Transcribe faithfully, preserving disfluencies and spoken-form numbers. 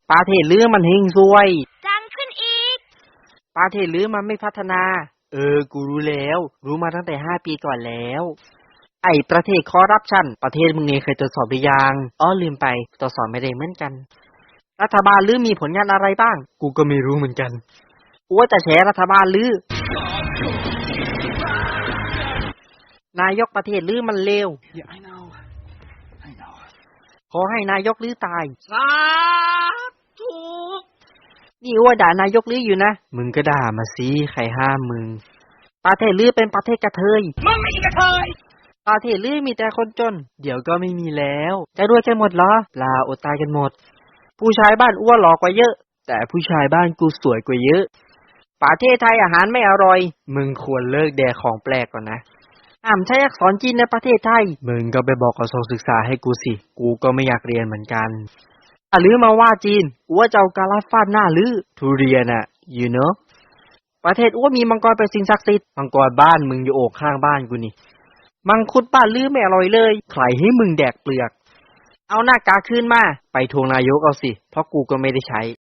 ประเทศลือมันเฮงซวยดังขึ้นอีกประเทศลือมันไม่พัฒนาเออกูรู้แล้วรู้มาตั้งแต่ห้าปีก่อนแล้วไอ้ประเทศคอร์รัปชันประเทศมึงเองเคยตรวจสอบหรือยังอ้อลืมไปตรวจสอบไม่ได้เหมือนกันรัฐบาลลือมีผลงานอะไรบ้างกูก็ไม่รู้เหมือนกันกูว่าจะแฉรัฐบาลลือนายกประเทศลือมันเลว Yeah, I know. I know. ขอให้นายกลือตายสาธุนี่อ้วด่านายกลืออยู่นะมึงก็ด่ามาสิใครห้ามมึงประเทศลือเป็นประเทศกระเทยมึงไม่กระเทยประเทศลือมีแต่คนจนเดี๋ยวก็ไม่มีแล้วจะรวยกันหมดเหรอเปล่าอดตายกันหมดผู้ชายบ้านอ้วนหล่อกว่าเยอะแต่ผู้ชายบ้านกูสวยกว่าเยอะประเทศไทยอาหารไม่อร่อยมึงควรเลิกแดกของแปลกก่อนนะห้ามใช้อักษรจีนในประเทศไทยมึงก็ไปบอกกระทรวงศึกษาให้กูสิกูก็ไม่อยากเรียนเหมือนกันอ่ะลือมาว่าจีนอ้วจะเอากาลาฟาดหน้าลือทุเรียนอ่ะ you know ประเทศอ้วมีมังกรเป็นสิ่งศักดิ์สิทธิ์มังกรบ้านมึงอยู่โอกข้างบ้านกูนี่มังคุดบ้านลือไม่อร่อยเลยใครให้มึงแดกเปลือกเอาหน้ากากคืนมาไปทวงนายกเอาสิเพราะกูก็ไม่ได้ใช้